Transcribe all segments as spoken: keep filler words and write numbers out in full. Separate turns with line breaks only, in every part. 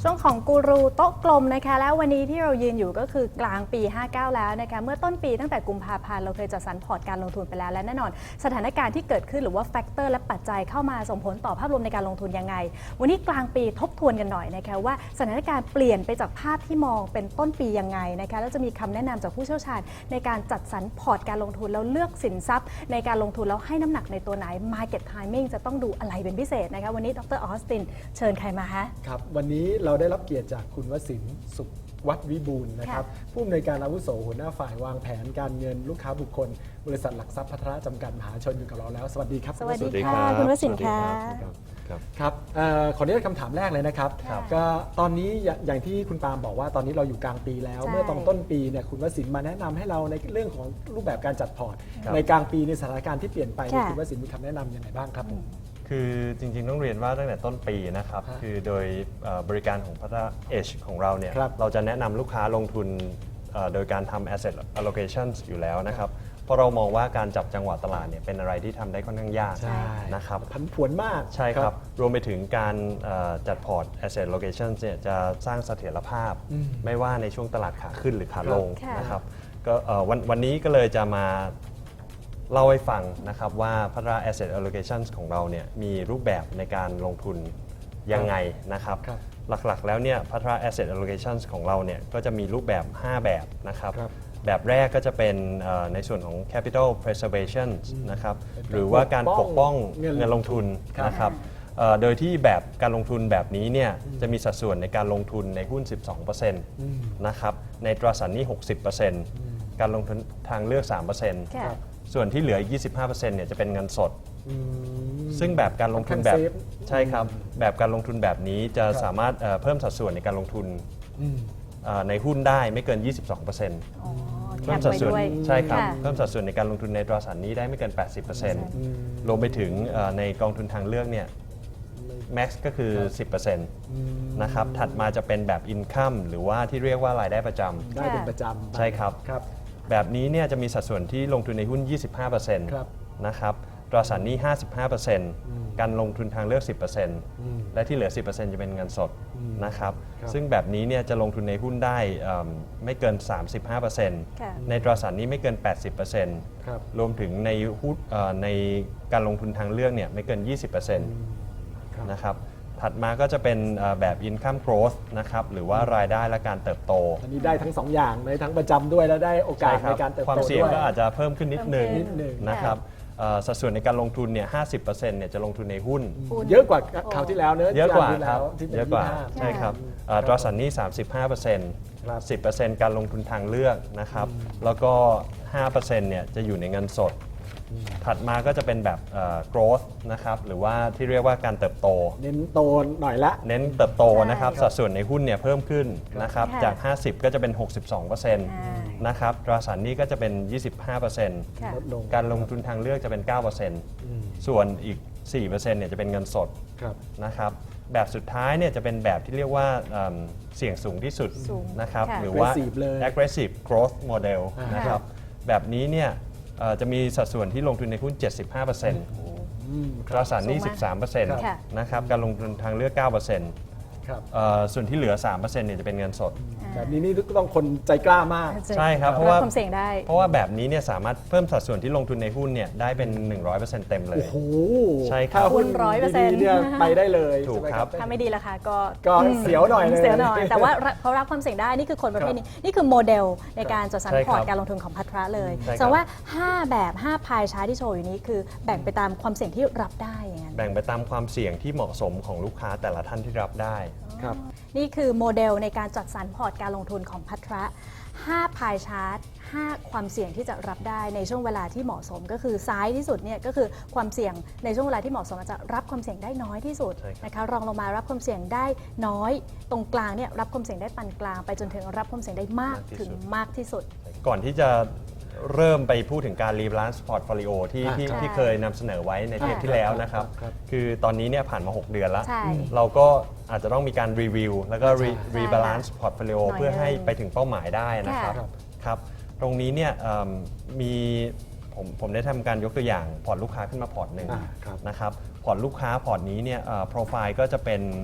ช่วงของกูรูโต๊ะกลมนะคะแล้ววันนี้ที่เรายืนอยู่ก็คือกลางปีห้าสิบเก้าแล้วนะคะเมื่อต้นปีตั้งแต่กุมภาพันธ์เราเคยจัดสรรพอร์ตการลงทุนไปแล้วและแน่นอนสถานการณ์ที่เกิดขึ้นหรือว่าแฟกเตอร์และปัจจัยเข้ามาส่งผลต่อภาพรวมในการลงทุนยังไงวันนี้กลางปีทบทวนกันหน่อยนะคะว่าสถานการณ์เปลี่ยนไปจากภาพที่มองเป็นต้นปียังไงนะคะแล้วจะมีคำแนะนำจากผู้เชี่ยวชาญในการจัดสรรพอร์ตการลงทุนแล้วเลือกสินทรัพย์ในการลงทุนแล้วให้น้ำหนักในตัวไหน Market Timing จะต้องดูอะไรเป็นพิเศษนะคะวันนี้ดรออสตินเชิญใครมาคะ
ครับวันนี้เราได้รับเกียรติจากคุณวสินทร์สุขวัดวิบูลย์นะครับผู้อำนวยการอาวุโสหัวหน้าฝ่ายวางแผนการเงินลูกค้าบุคคลบริษัทหลักทรัพย์พัฒนาจำกัดมหาชนอยู่กับเราแล้วสวัสดีครับ
สวัสดีค่ะคุณวสินทร์ค่ะ
ครับขออนุญาตคำถามแรกเลยนะครับก็ตอนนี้อย่างที่คุณปาล์มบอกว่าตอนนี้เราอยู่กลางปีแล้วเมื่อตอนต้นปีเนี่ยคุณวสินทร์มาแนะนำให้เราในเรื่องของรูปแบบการจัดพอร์ตในกลางปีในสถานการณ์ที่เปลี่ยนไปคุณวสินทร์มีคำแนะนำยังไงบ้างครับ
คือจริงๆต้องเรียนว่าตั้งแต่ต้นปีนะครับคือโดยบริการของพัฒนาเอชของเราเนี่ยเราจะแนะนำลูกค้าลงทุนโดยการทำ asset allocation อยู่แล้วนะครับเพราะเรามองว่าการจับจังหวะตลาดเนี่ยเป็นอะไรที่ทำได้ค่อนข้างยากนะครับ
ผันผวนมาก
ใช่ครับรวมไปถึงการจัดพอร์ต asset allocation เนี่ยจะสร้างเสถียรภาพไม่ว่าในช่วงตลาดขาขึ้นหรือขาลงนะครับก็วันวันนี้ก็เลยจะมาเล่าให้ฟังนะครับว่าพัฒนา Asset Allocation ของเราเนี่ยมีรูปแบบในการลงทุนยังไงนะครับหลักๆแล้วเนี่ยพัฒนา Asset Allocation ของเราเนี่ยก็จะมีรูปแบบห้าแบบนะครับแบบแรกก็จะเป็นในส่วนของ Capital Preservation นะครับหรือว่าการปกป้องเงินลงทุนนะครับโดยที่แบบการลงทุนแบบนี้เนี่ยจะมีสัดส่วนในการลงทุนในหุ้น สิบสองเปอร์เซ็นต์ นะครับในตราสารหนี้ หกสิบเปอร์เซ็นต์ การลงทุนทางเลือก สามเปอร์เซ็นต์ส่วนที่เหลือ ยี่สิบห้าเปอร์เซ็นต์ เนี่ยจะเป็นเงินสดซึ่งแบบการลงทุนแบบใช่ครับแบบการลงทุนแบบนี้จะสามารถเพิ่มสัดส่วนในการลงทุนในหุ้นได้ไม่เกิน ยี่สิบสองเปอร์เซ็นต์ เพิ่มสัดส่วนใช่ครับเพิ่มสัดส่วนในการลงทุนในตราสารหนี้ได้ไม่เกิน แปดสิบเปอร์เซ็นต์ รวมไปถึงในกองทุนทางเลือกเนี่ยแม็กซ์ก็คือ สิบเปอร์เซ็นต์ นะครับถัดมาจะเป็นแบบ Income หรือว่าที่เรียกว่ารายได้ประจำ
ได้เป็นประจำ
ใช่ครับแบบนี้เนี่ยจะมีสัดส่วนที่ลงทุนในหุ้น ยี่สิบห้าเปอร์เซ็นต์ นะครับตราสารหนี้ ห้าสิบห้าเปอร์เซ็นต์ การลงทุนทางเลือก สิบเปอร์เซ็นต์ และที่เหลือ สิบเปอร์เซ็นต์ จะเป็นเงินสดนะครับซึ่งแบบนี้เนี่ยจะลงทุนในหุ้นได้ไม่เกิน สามสิบห้าเปอร์เซ็นต์ ในตราสารหนี้ไม่เกิน แปดสิบเปอร์เซ็นต์ รวมถึงในหุ้นในการลงทุนทางเลือกเนี่ยไม่เกิน ยี่สิบเปอร์เซ็นต์ นะครับถัดมาก็จะเป็นแบบ income growth นะครับหรือว่ารายได้และการเติบโต
อันนี้ได้ทั้งสองอย่างในทั้งประจำด้วยและได้โอกาสในการเติบโตด้วย
ความเสี่ยงก็อาจจะเพิ่มขึ้นนิดนึงนะครับสัดส่วนในการลงทุนเนี่ย ห้าสิบเปอร์เซ็นต์ เนี่ยจะลงทุนในหุ้น
เยอะกว่าคราวที่แล้วเนอะ
เยอะกว่าครับเยอะกว่าใช่ครับตราสารหนี้ สามสิบห้าเปอร์เซ็นต์ สิบเปอร์เซ็นต์ การลงทุนทางเลือกนะครับแล้วก็ ห้าเปอร์เซ็นต์ เนี่ยจะอยู่ในเงินสดถัดมาก็จะเป็นแบบ growth นะครับหรือว่าที่เรียกว่าการเติบโต
เน้นโตหน่อยละ
เน้นเติบโตนะครับสัดส่วนในหุ้นเนี่ยเพิ่มขึ้นนะครับจากห้าสิบก็จะเป็น หกสิบสองเปอร์เซ็นต์ นะครับตราสารหนี้ก็จะเป็น ยี่สิบห้าเปอร์เซ็นต์ การลงทุนทางเลือกจะเป็น เก้าเปอร์เซ็นต์ ส่วนอีก สี่เปอร์เซ็นต์ เนี่ยจะเป็นเงินสดนะครับแบบสุดท้ายเนี่ยจะเป็นแบบที่เรียกว่าเสี่ยงสูงที่สุดนะครับหรือว่า aggressive growth model นะครับแบบนี้เนี่ยจะมีสัดส่วนที่ลงทุนในหุ้น เจ็ดสิบห้าเปอร์เซ็นต์ ตราสารหนี้ สิบสามเปอร์เซ็นต์ นะครับการลงทุนทางเลือก เก้าเปอร์เซ็นต์ส่วนที่เหลือ สามเปอร์เซ็นต์ เนี่ยจะเป็นเงินสด
แบบนี้นี่ต้องคนใจกล้ามาก
ใช่ครับเพราะว่าความเสี่ยงได้เพราะว่าแบบนี้เนี่ยสามารถเพิ่มสัดส่วนที่ลงทุนในหุ้นเนี่ยได้เป็น หนึ่งร้อยเปอร์เซ็นต์ เต็มเลย
โอ้โห
ใช่ครับ
หุ้น ร้อยเปอร์เซ็นต์
เนี่ยไปได้เลย
ถูกครับ
ถ้าไม่ดีราคาก็
ก็เสียวหน่อย
เสียวหน่อยแต่ว่าเขารับความเสี่ยงได้นี่คือคนประเภทนี้นี่คือโมเดลในการจัดสรรพอร์ตการลงทุนของพัทระเลยแสดงว่าห้าแบบห้าพายชาร์ตที่โชว์อยู่นี้คือแบ่งไปตามความเสี่ยงที่รับได้อย่างนั้น
แบ่งไปตามความเสี่ยงที่เหมาะสมของลูกค้าแต่ละท่านที่รับได้
ครับ
นี่คือโมเดลในการจัดสรรพอร์ตการลงทุนของพัทระห้าพายชาร์ตห้าความเสี่ยงที่จะรับได้ในช่วงเวลาที่เหมาะสมก็คือซ้ายที่สุดเนี่ยก็คือความเสี่ยงในช่วงเวลาที่เหมาะสมจะรับความเสี่ยงได้น้อยที่สุดนะคะรองลงมารับความเสี่ยงได้น้อยตรงกลางเนี่ยรับความเสี่ยงได้ปานกลางไปจนถึงรับความเสี่ยงได้มากถึงมากที่สุด
ก่อนที่จะเริ่มไปพูดถึงการรีบาลานซ์พอร์ตโฟลิโอที่ที่ที่เคยนำเสนอไว้ในเทปที่แล้วนะครับคือตอนนี้เนี่ยผ่านมาหกเดือนแล้วเราก็อาจจะต้องมีการรีวิวแล้วก็รีบาลานซ์พอร์ตโฟลิโอเพื่อให้ไปถึงเป้าหมายได้นะครับครับตรงนี้เนี่ยมีผมผมได้ทำการยกตัวอย่างพอร์ตลูกค้าขึ้นมาพอร์ตหนึ่งนะครับพอร์ตลูกค้าพอร์ตนี้เนี่ยโปรไฟล์ก็จะเป็น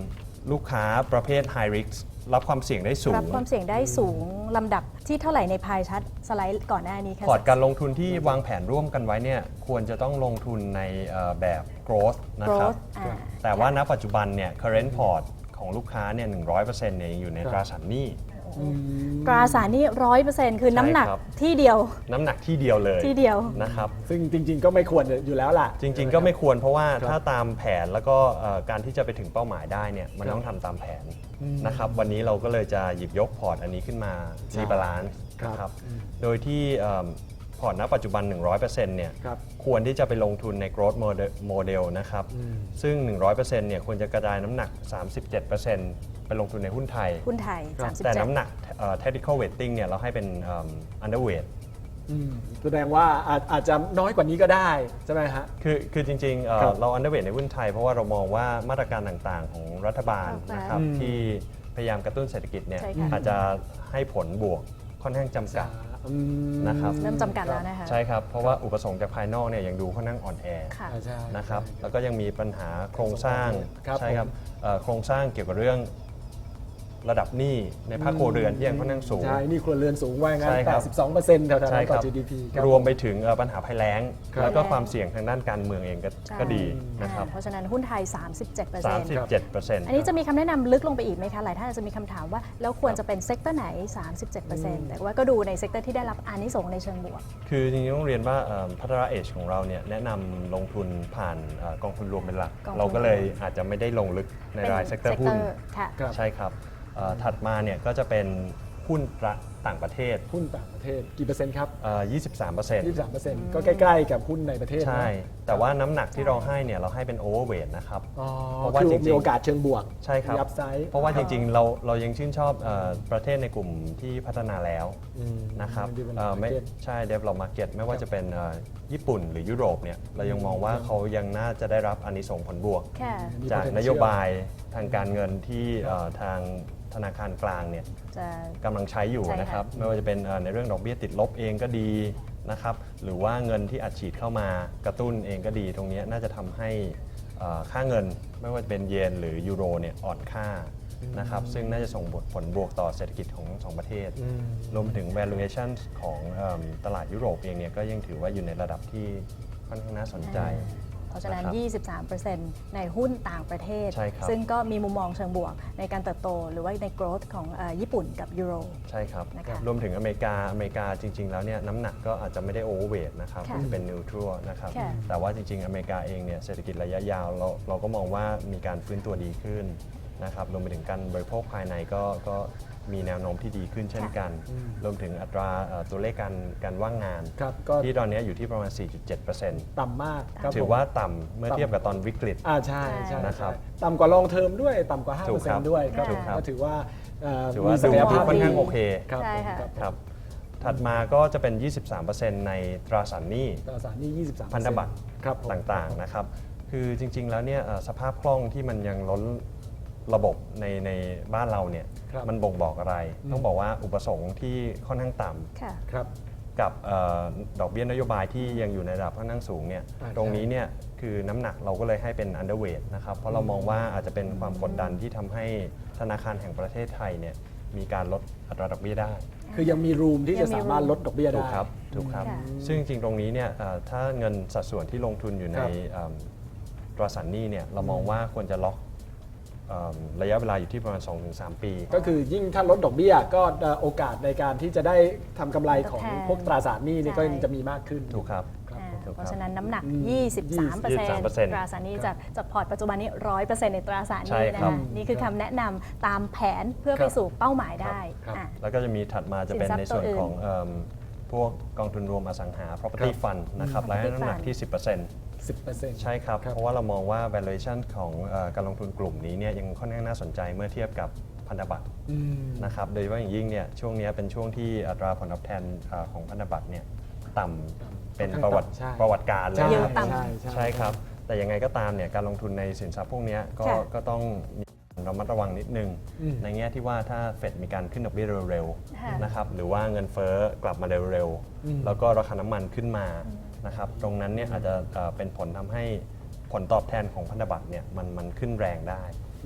ลูกค้าประเภท high risk รับความเสี่ยงได้สูง
รับความเสี่ยงได้สูงลำดับที่เท่าไหร่ในพายชัดสไลด์ก่อนหน้านี้ค่ะ
พอร์ตการลงทุนที่วางแผนร่วมกันไว้เนี่ยควรจะต้องลงทุนในเอ่อแบบ growth นะครับ
growth อ่า
แต่ว่าณปัจจุบันเนี่ย current port ของลูกค้าเนี่ยหนึ่งร้อยเปอร์เซ็นต์เนี่ยยังอยู่ในตราสารหนี้
ตราสารหนี้ร้อยเปอร์เซ็นต์คือน้ำหนัก
ใช่ครับ
ที่เดียว
น้ำหนักที่เดียวเลย
ที่เดียว
นะครับ
ซึ่งจริง ๆ ก็ไม่ควรอยู่แล้วล่ะ
จริงๆ ก็ไม่ควรเพราะว่า
ครับ
ถ้าตามแผนแล้วก็เอ่อการที่จะไปถึงเป้าหมายได้เนี่ยมัน
ครับ
ต้องทำตามแผนนะครับวันนี้เราก็เลยจะหยิบยกพอร์ตอันนี้ขึ้นมา
ใช่
รีบาลานซ์
ครับ
นะครับโดยที่เอิ่มพอร์ตณปัจจุบัน หนึ่งร้อยเปอร์เซ็นต์ เนี่ย
ครับ
ควรที่จะไปลงทุนใน growth model model นะครับซึ่ง หนึ่งร้อยเปอร์เซ็นต์ เนี่ยควรจะกระจายน้ำหนัก สามสิบเจ็ดเปอร์เซ็นต์ ไปลงทุนในหุ้นไทย
หุ้นไทย
ครับ
สามสิบ
แต่
เจ็ด
น้ำหนักเอ่อ technical weighting เนี่ยเราให้เป็นเอิ่ม underweight
อืมแสดงว่าอาจอาจจะน้อยกว่านี้ก็ได้ใช่ไหมฮะ
คือคือจริงๆเอ่อ
ครับ
เรา underweight ในหุ้นไทยเพราะว่าเรามองว่ามาตรการต่างๆ ของรัฐบาล
ครับ
นะครับ
อืม
ที่พยายามกระตุ้นเศรษฐกิจเนี่ย
ใช่ค่ะ
อาจจะให้ผลบวกค่อนข้างจำกัด
อืม
นะครับ
เริ่มจำกัดแล้วนะคะ
ใช่ครับ เพราะว่าอุปสงค์จากภายนอกเนี่ยยังดูค่อนข้างอ่อนแอ
ค่ะ
อ่าใช่
นะครับแล้วก็ยังมีปัญหาโครงสร้าง
ครับ
ใช่ครับ
ผม
เอ่อโครงสร้างเกี่ยวกับเรื่องระดับหนี้ในภาคครัวเรือนที่ยังค่อนข้างสูง
ใช่นี่ครัวเรือนสูงว่างั้น
ใช่ค
แป
รั
ด
บ
สิบสองเปอร์เซ็นต์แถวๆ
ใช่
นั้น
ค
ต่
รั
อบ จี ดี พี
รวมไปถึงเอ่อปัญหาภัยแล้ง
ครับ
แล้วก็ความเสี่ยงทางด้านการเมืองเองก็
ใช่
ก็ดีนะครับ
อ่าเพราะฉะนั้นหุ้นไทย สามสิบเจ็ดเปอร์
สา
เซ็น
ม
ต์
สิบเจ็ดเปอร์เซ็นต์
อันนี้จะมีคำแนะนำลึกลงไปอีกไหมคะ หลายท่านอาจจะมีคำถามว่า แล้วควรจะเป็นเซกเตอร์ไหน สามสิบเจ็ดเปอร์เซ็นต์ แต่ว่าก็ดูในเซกเตอร์ที่ได้รับอานิสงส์ในเชิงบวก
คือจริงๆต้องเรียนว่าเอ่อพัฒนาเอชของเราเนี่ยแนะนำลงทุนผ่านเอ่อกองทุนรวมเป็นหลัก
กองทุน
เราก็เลยอาจจะไม่ได้ลงลึกในรายเซกเตอร์หุ้น
ค่ะ
ครับ
ใช่ครับเอ่อถัดมาเนี่ยก็จะเป็นหุ้นประต่างประเทศ
หุ้นต่างประเทศกี่เปอร์เซ็นต์ครับ
เอ่อยี่สิบสามเปอร์เซ็นต์
ยี่สิบสามเปอร์เซ็นต์ก็ใกล้ๆกับหุ้นในประเทศนะ
ใช่ แต่ว่าน้ำหนักที่เราให้เนี่ยเราให้เป็นโอเวอร์เวทนะครับ
อ๋อ
เพราะว่า
คือ
จริงๆ
มีโอกาสเชิงบวก
ใช่ครับ
มีอัพไซด์
เพราะว่าจริงๆเราเรายังชื่นชอบเออประเทศในกลุ่มที่พัฒนาแล้ว
อืม
นะครับ
develop
เอ่อไม่
market
ใช่ develop market ไม่ว่าจะเป็นเอ่อญี่ปุ่นหรือยุโรปเนี่ยเรายังมองว่าเขายังน่าจะได้รับอานิสงส์ผลบวก
ค่ะ
มี
จาก
potential
นโยบายทางการเงินที่เอ่อทางธนาคารกลางเนี่ย
จะ
กำลังใช้อยู่
ใช่ค่ะ
นะครับไม่ว่าจะเป็นเอ่อในเรื่องดอกเบี้ยติดลบเองก็ดีนะครับหรือว่าเงินที่อัดฉีดเข้ามากระตุ้นเองก็ดี ตรงเนี้ยน่าจะทำให้เอ่อค่าเงินไม่ว่าจะเป็นเยนหรือยูโรเนี่ยอ่อนค่านะครับซึ่งน่าจะส่งผลบวกต่อเศรษฐกิจของทั้งสองประเทศ
อืม
รวมถึง valuation ของเอิ่มตลาดยุโรปเองเนี่ยก็ยังถือว่าอยู่ในระดับที่ค่อนข้างน่าสนใจ
เพราะฉะนั้น
นะครับ
ยี่สิบสามเปอร์เซ็นต์ ในหุ้นต่างประเทศ
ใช่ครับ
ซึ่งก็มีมุมมองเชิงบวกในการเติบโต หรือว่าใน growth ของเอ่อญี่ปุ่นกับยูโร
ใช่ครับ
นะคะ
รวมถึงอเมริกา อเมริกาจริง ๆ แล้วเนี่ยน้ำหนักก็อาจจะไม่ได้โอเวอร์เวทนะครับ
ค่ะ
จะเป็นนิวทรัลนะครับ
ค่ะ
แต่ว่าจริง ๆ อเมริกาเองเนี่ยเศรษฐกิจระยะยาวเราเราก็มองว่ามีการฟื้นตัวดีขึ้นนะครับรวมไปถึงการบริโภคภายในก็ก็มีแนวโน้มที่ดีขึ้นเช่นกัน รวมถึงอัตราเอ่อตัวเลขการการว่างงาน
ครับก็
ที่ตอนนี้อยู่ที่ประมาณ สี่จุดเจ็ดเปอร์เซ็นต์
ต่ำมากครับ
ถือ
ผม
ว่าต่ำเมื่อเทียบกับตอนวิกฤต
อ่าใช่ใช่
นะครับ
ใช่ต่ำกว่าลองเทอมด้วยต่ำกว่า ห้า
ถู
เปอก ร์เซ็น
ครับ
ต์ด้วยครับ
ถูกครับ
ก็ถือว่าเอ่อ
ถือว่า
มีศักยภาพ
ดูค่อนข้าง
ดี
โอเค
ครับ
ใช่
ผม
ค่ะ
ครับ
ครับถัดมาก็จะเป็น ยี่สิบสามเปอร์เซ็นต์ ในตราสารหนี้
ตราสารหนี้ยี่สิบสาม
พันธบัตร
ครับผม
ต่างๆนะครับ คือจริงๆ แล้วเนี่ยเอ่อสภาพคล่องที่มันยังล้นระบบในในบ้านเราเนี่ย
ครับ
มันบ่งบอกอะไร
อืม
ต้องบอกว่าอุปสงค์ที่ค่อนข้างต่ำ
ค่ะ
ครับ
กับเออดอกเบี้ยนโยบายที่ยังอยู่ในระดับค่อนข้างสูงเนี่ย
อ่า
ตรงนี้เนี่ยคือน้ำหนักเราก็เลยให้เป็น underweight นะครับ เพราะเรามองว่าอาจจะเป็นความกดดันที่ทำให้ธนาคารแห่งประเทศไทยเนี่ยมีการลดอัตราดอกเบี้ยได้
คือยังมีรูมที่
ยั
จะ
งมี
สามารถลดดอกเบี้ย
ถู
ได้
กครับ ถูกครับ
ค่ะ
ซึ่งจริงๆ ตรงนี้เนี่ยเอ่อถ้าเงินสัดส่วนที่ลงทุนอยู่ใน
ครับ
เอิ่มตราสารหนี้เนี่ยเรามองว่าควรจะล็อกเอิ่มระยะเวลาอยู่ที่ประมาณ สองถึงสาม ปี
ก็คือยิ่งถ้าลดดอกเบี้ยก็เอ่อโอกาสในการที่จะได้ทำกำไรของ
ทดแทน
พวกตราสารหนี้นี่
ใช่
ก็ยังจะมีมากขึ้น
ถูกครับ
ครับ
อ่า
ผม
ถูกครับ
เพราะฉะนั้นน้ำหนัก
อืม
ยี่สิบสามเปอร์เซ็นต์
ยี่สิบสามเปอร์เซ็นต์
ตราสารหนี้จากจากพอร์ตปัจจุบันนี้ ร้อยเปอร์เซ็นต์ ในตราสารห
ใช่
นี้นะ
ครั
คะ
บ
นี่คือคำแนะนำตามแผนเพื่อไปสู่เป้าหมายได้
ครับ
อ่ะ
แล้วก็จะมีถัดมาจะเป็น
สินทรัพย์
ในส่วน
ตัวอื่น
ของเอิ่มพวกกองทุนรวมอสังหา property
ครับ
fund นะครับและให้น้ำหนัก
Property
ที่ สิบเปอร์เซ็นต์
สิบเปอร์เซ็นต์
ใช่ครับ
ครับ
เพราะว่าเรามองว่า valuation ของเอ่อการลงทุนกลุ่มนี้เนี่ยยังค่อนข้างน่าสนใจเมื่อเทียบกับพันธบัตร
อืม
นะครับโดยเฉพาะอย่างยิ่งเนี่ยช่วงนี้เป็นช่วงที่อัตราผลตอบแทนเอ่อของพันธบัตรเนี่ยต่ำเป็นประวัติ
ใช่
ประวัติการเลย
ใช่
เยอะต่ำ
ใช่ใช่
ใช่ครับ แต่ยังไงก็ตามเนี่ยการลงทุนในสินทรัพย์พวกเนี้ยก็
ค่ะ
ก็ต้องมีระมัดระวังนิดนึง
อืม
ในแง่ที่ว่าถ้าเฟดมีการขึ้นดอกเบี้ยเร็ว
ค่ะ
ๆนะครับหรือว่าเงินเฟ้อกลับมาเร็ว
อืม
ๆ แล้วก็ราคาน้ำมันขึ้นมานะครับตรงนั้นเนี่ยอาจจะเอ่อเป็นผลทำให้ผลตอบแทนของพันธบัตรเนี่ยมันมันขึ้นแรงได้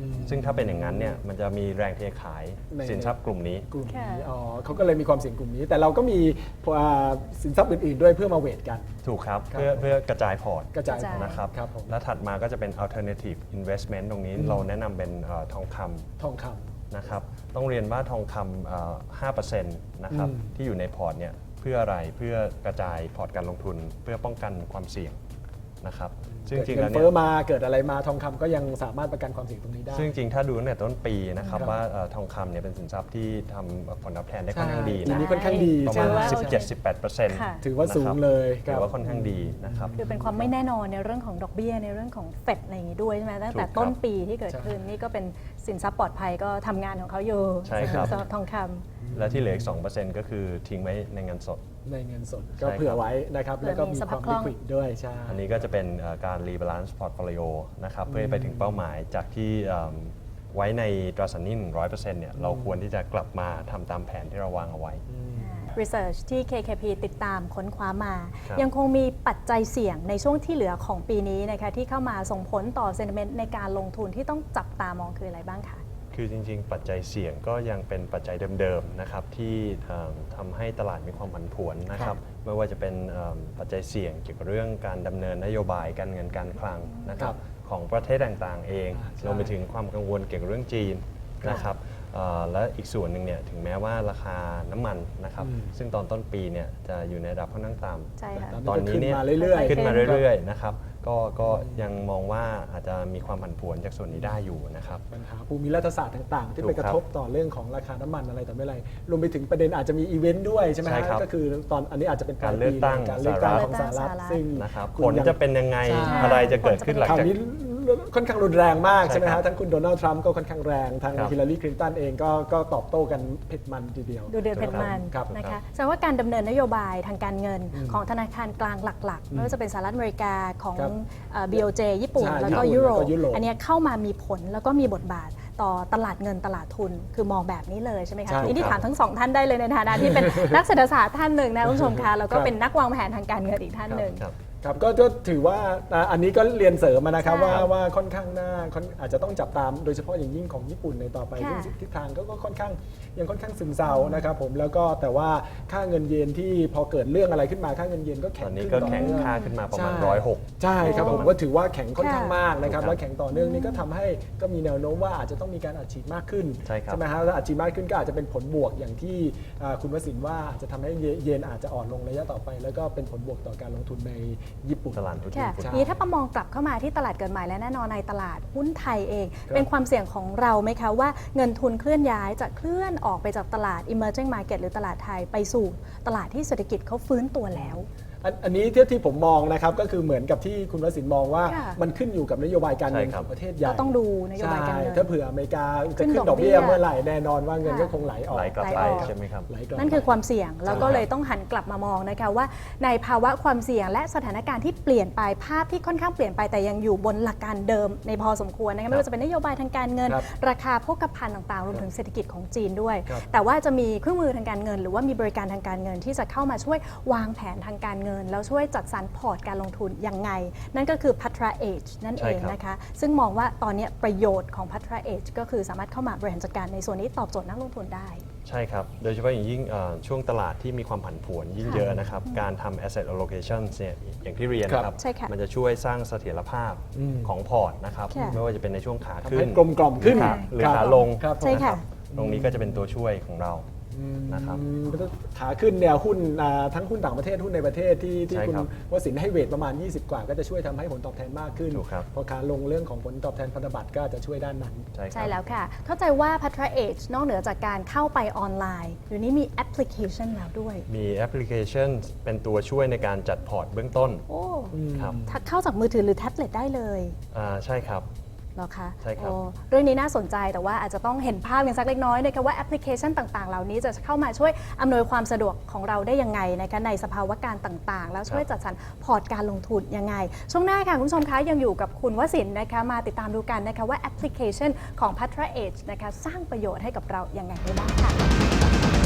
ซึ่งถ้าเป็นอย่างนั้นเนี่ยมันจะมีแรงเทขาย
ใน
สินทรัพย์กลุ่มนี้
กลุ่มนี้
ค่ะ
อ๋อเขาก็เลยมีความเสี่ยงกลุ่มนี้ แต่เราก็มีอ่าสินทรัพย์อื่นๆด้วยเพื่อมาเวทกัน
ถูกครับ
ครับ
เพื่อเพื่อกระจายพอร์ต
กระจาย
กระจาย
นะครับ
ครับผม
และถัดมาก็จะเป็น alternative investment ตรงนี้เราแนะนำเป็นเอ่อทองคำ
ทองค
นะครับต้องเรียนว่าทองคำเอ่อห้าเปอร์เซ็นต์นะครับ
อืม
ที่อยู่ในพอร์ตเนี่ยเพื่ออะไรเพื่อกระจายพอร์ตการลงทุน เพื่อป้องกันความเสี่ยงนะครับ
ำ
ซึ่ง
เกิด
จริง
เงิ
แล้
น
ว
เฟ้
เนี่
อย มาเกิดอะไรมาทองคำก็ยังสามารถประกันความเสี่ยงตรงนี้ได้
ซึ่งจริงถ้าดูตั้งแต่ต้นปีนะครับ
ครับ
ว่าเอ่อทองคำเนี่ยเป็นสินทรัพย์ที่ทำผลตอบแทนได้ค่อนข้างดี
ปี
นะ
นี้ค่อนข้างดี
ประ
ใช่
มาณ
ไหม
สิบเจ็ดสิบแปดเปอร์เซ็นต์
ค่ะ
ถือว่าสูงเลยค
ถื
รับ
อว่าค่อนข้างดีนะครับ
คือเป็นความไม่แน่นอนในเรื่องของดอกเบี้ยในเรื่องของเฟดอะไรอย่างนี้ด้วยใช่ไหมตั้งแต่
ถูกครับ
ต้นปีที่เกิด
ใช่
ขึ้นนี่ก็เป็นสินทรัพย์ปลอดภัยก็ทำงานของเขาอยู่
ใช่ครับ
สำหรับทองคำ
และที่เหลืออีกสองเปอร์เซ็นต์ก็คือทิ้งไว้ในเงินสด
ในเงินสด
ใช่
ก็
ครับ
เผื่อไว้นะครับ
เผื่อ
แล้วก็
มี
มี
ส
ค
ภาพ
วาม
คล่
ลิ
อง
ควิดด้วยใช่
อันนี้ก็จะเป็นเอ่อการ rebalance portfolio นะครับเพื่อให้ไปถึงเป้าหมายจากที่เอิ่มไว้ในตราสารหนี้ หนึ่งร้อยเปอร์เซ็นต์ เนี่ยเราควรที่จะกลับมาทำตามแผนที่เราวางเอาไว้
Research ที่ เค เค พี ติดตามค้นคว้ามา
ครับ
ยังคงมีปัจจัยเสี่ยงในช่วงที่เหลือของปีนี้นะคะที่เข้ามาส่งผลต่อ sentiment ในการลงทุนที่ต้องจับตามองคืออะไรบ้างคะ
คือจริงๆ ปัจจัยเสี่ยงก็ยังเป็นปัจจัยเดิมๆนะครับที่เอิ่มทำให้ตลาดมีความผันผวนนะครับไม่ว่าจะเป็นเอิ่มปัจจัยเสี่ยงเกี่ยวกับเรื่องการดำเนินนโยบายการเงินการคลังนะครับของประเทศต่างๆ เอง
อ่าใช่
รวมไปถึงความกังวลเกี่ยวกับเรื่องจีนนะครับเอ่อและอีกส่วนหนึ่งเนี่ยถึงแม้ว่าราคาน้ำมันนะครับ
อืม
ซึ่งตอนต้นปีเนี่ยจะอยู่ในระดับค่อนข้างต่ำ
ใช่ค่ะ
ตอนนี้เนี่ย
ขึ้นมาเรื่อยๆ
ขึ้นมาเรื่อยๆนะครับก็ก็ยังมองว่าอาจจะมีความผันผวนจากส่วนนี้ได้อยู่นะครับ
ปัญหาภูมิรัฐศาสตร์ต่างๆ ที่
ถูก
ไปกระทบต่อเรื่องของราคาน้ำมันอะไรต่อไม่อะไร รวมไปถึงประเด็นอาจจะมีอีเวนต์ด้วยใช่ไหม
ใช่
ฮะ
ครับ
ก็คือตอนอันนี้อาจจะเป็นปล
การ
ย
เลือกตั้ง
ปีการเลือกตั้ง
สหรัฐ
ของสหรัฐ
สหรัฐ
ซึ่ง
นะครับ
คุณ
ผล
ยัง
จะเป็นยังไง
ใช่
อะไรจะเกิดขึ้นหลัง
ข่าว
จาก
นี้ค่อนข้างรุนแรงมาก
ใช่
ใช่ไหม
ครั
ฮะ
บ
ทั้งคุณโดนัลด์ทรัมป์ก็ค่อนข้างแรง ทาง
ครับ
ฮิลลารีคลินตันเองก็ก็ตอบโต้กันเผ็ดมันทีเดียว
ดูเดือดเผ็ดมัน
ครับ
นะ
ครั
คะ
บ
แสดงว่าการดำเนินนโยบายทางการเงินของธนาคารกลางหลัก ๆ ไม่ว่าจะเป็นสหรัฐอเมริกาของ
ครับ
เอ่อ บี โอ เจ ญี่ปุ่น
ใช่
แล้วก็
ญี่ปุ่น
ยุโร
แล้ว
ป
ก็ยุโรป
อันเนี้ยเข้ามามีผลแล้วก็มีบทบาทต่อตลาดเงินตลาดทุน คือมองแบบนี้เลยใช่ไหมคะ
ใช่
ทีนี้
ครับ
ถามทั้งสองท่านได้เลยในฐานะที่เป็น นักเศรษฐศาสตร์ท่านหนึ่งนะคุณผู้ชมคะแล้วก็
ครับ
เป็นนักวางแผนทางการเงินอีกท่านหนึ่ง
ครับ
ครับก็ก็ถือว่าอ่าอันนี้ก็เรียนเสริมมานะครับ
ใช่
ว่าว่าค่อนข้างน่าค่อนอาจจะต้องจับตามโดยเฉพาะอย่างยิ่งของญี่ปุ่นในต่อไป
ค่ะ
ซึ่งทิศทางก็ก็ค่อนข้างยังค่อนข้างซึมเซานะครับผมแล้วก็แต่ว่าค่าเงินเยนที่พอเกิดเรื่องอะไรขึ้นมาค่าเงินเยนก็แข็
ต
ง
อนนี้
ขึ้น
ก็แข็ง
ต่อเนื่อง
ค่าขึ้นมาประมาณ
ใช่
ร้อยหก
ใช่ครับผมก็ถือว่าแข็งค่อนข้าง
ค่ะ
มากนะครับ
ถูกครับ
แล้วแข็งต่อเนื่องนี่ก็ทำให้ก็มีแนวโน้มว่าอาจจะต้องมีการอัดฉีดมากขึ้น
ใช่ครับ
ไหมฮะแล้วอัดฉีดมากขึ้นก็อาจจะเป็นผลบวกอย่างที่อ่าคุณวสินทร์ว่าอาจจะทำให้เยนอาจจะอ่อนลงระยะต่อไป แล้วก็เป็นผลบวกต่อการลงทุนในญี่ปุ่น
ตลาดหุ้น
ค่ะ
ญี่ปุ่น
ใช่
นี้ถ้าประมองกลับเข้ามาที่ตลาดเกิดใหม่และแน่นอนในตลาดหุ้นไทยเอง
ครับ
เป็นความเสี่ยงของเราไหมคะว่าเงินทุนเคลื่อนย้ายจะเคลื่อนออกไปจากตลาด emerging market หรือตลาดไทยไปสู่ตลาดที่เศรษฐกิจเขาฟื้นตัวแล้ว
อันอันนี้ที่ที่ผมมองนะครับก็คือเหมือนกับที่คุณวสินทร์มองว่า
ค่ะ
มันขึ้นอยู่กับนโยบายการเงิน
ใช่ค
ข
รับ
องประเทศใหญ่
ก็ต้องดูนโยบายการเงิน
ใช่ถ้าเผื่ออเมริกาจะ
ขึ้
ขึ้
น
น
ด
ด
อ
อก ก
เบี้
เบี้
ย
ยเมื่อไหร่แน่นอนว่าเงิน
ค่ะ
ก็คงไหลออก
ไหลกลับ
ไหล
ไป
ออก
ใช่ไหมครับ
ไหลกลับ
นั่นคือความเสี่ยงแล้วก็เลยต้องหันกลับมามองนะคะว่าในภาวะความเสี่ยงและสถานการณ์ที่เปลี่ยนไปภาพที่ค่อนข้างเปลี่ยนไปแต่ยังอยู่บนหลักการเดิมในพอสมควรนะคะไม่ว่าจะเป็นนโยบายทางการเงิน
ครับ
ราคาโภคภัณฑ์ต่างๆรวมถึงเศรษฐกิจของจีนด้วย
ครับ
แต่ว่าจะมีเครื่องมือทางการเงิน หรือว่ามีบริการทางการเงินที่จะเข้ามาช่วยวางแผนทางการเงิน แล้วช่วยจัดสรรพอร์ตการลงทุนยังไง นั่นก็คือ Patra Edge นั่น
ใช่
เอง
ครับ
นะคะซึ่งมองว่าตอนนี้ประโยชน์ของ Patra Edge ก็คือสามารถเข้ามาบริหารจัดการในส่วนนี้ตอบโจทย์นักลงทุนได้
ใช่ครับ โดยเฉพาะอย่างยิ่งเอ่อช่วงตลาดที่มีความผันผวนยิ่ง
ค่ะ
เยอะนะครับ การทำ asset allocation เนี่ยอย่างที่เรียนนะครับ
ใช่ค่ะ
มันจะช่วยสร้างเสถียรภาพ
อืม
ของพอร์ตนะครับ
ค่ะ
ไม่ว่าจะเป็นในช่วงขา
ทำ
ขึ้
ให้
น
กลมกล่อมขึ้น
หรือ
ครับ
ขาลง
ครับผม
ใช่ค่ะ
ตรงนี้ก็จะเป็นตัวช่วยของเรา นะครับ
อืมขาขึ้นเนี่ยหุ้นอ่าทั้งหุ้นต่างประเทศหุ้นในประเทศที่ที่
ใช่
คุณ
ครับ
วสินทร์ให้เวทประมาณ ยี่สิบ กว่า ก็จะช่วยทำให้ผลตอบแทนมากขึ้น
ถูกครับ
พอขาลงเรื่องของผลตอบแทนพันธบัตรก็จะช่วยด้านนั้น
ใช่ค
ใช่
รับ
แล้วค่ะ เข้าใจว่า Patra Edge นอกเหนือจากการเข้าไปออนไลน์เดี๋ยวนี้มีแอปพลิเคชันแล้วด้วย
มีแอปพลิเคชันเป็นตัวช่วยในการจัดพอร์ตเบื้องต้น
โอ้
ครับ
ถ้าเข้าจากมือถือหรือแท็บเล็ตได้เลย
อ่าใช่ครับ
เหรอคะ
ใช่ครับ
โอ้เรื่องนี้น่าสนใจแต่ว่าอาจจะต้องเห็นภาพกันสักเล็กน้อยนะคะว่าแอปพลิเคชันต่างๆ เหล่านี้จะเข้ามาช่วยอำนวยความสะดวกของเราได้ยังไงนะคะในสภาวะการต่างๆ แล้วช่วยจัดสรรพอร์ตการลงทุนยังไง ช่วงหน้าค่ะคุณผู้ชมคะยังอยู่กับคุณวสินทร์นะคะมาติดตามดูกันนะคะว่าแอปพลิเคชันของ Patra Edge นะคะสร้างประโยชน์ให้กับเรายังไงได้บ้างค่ะ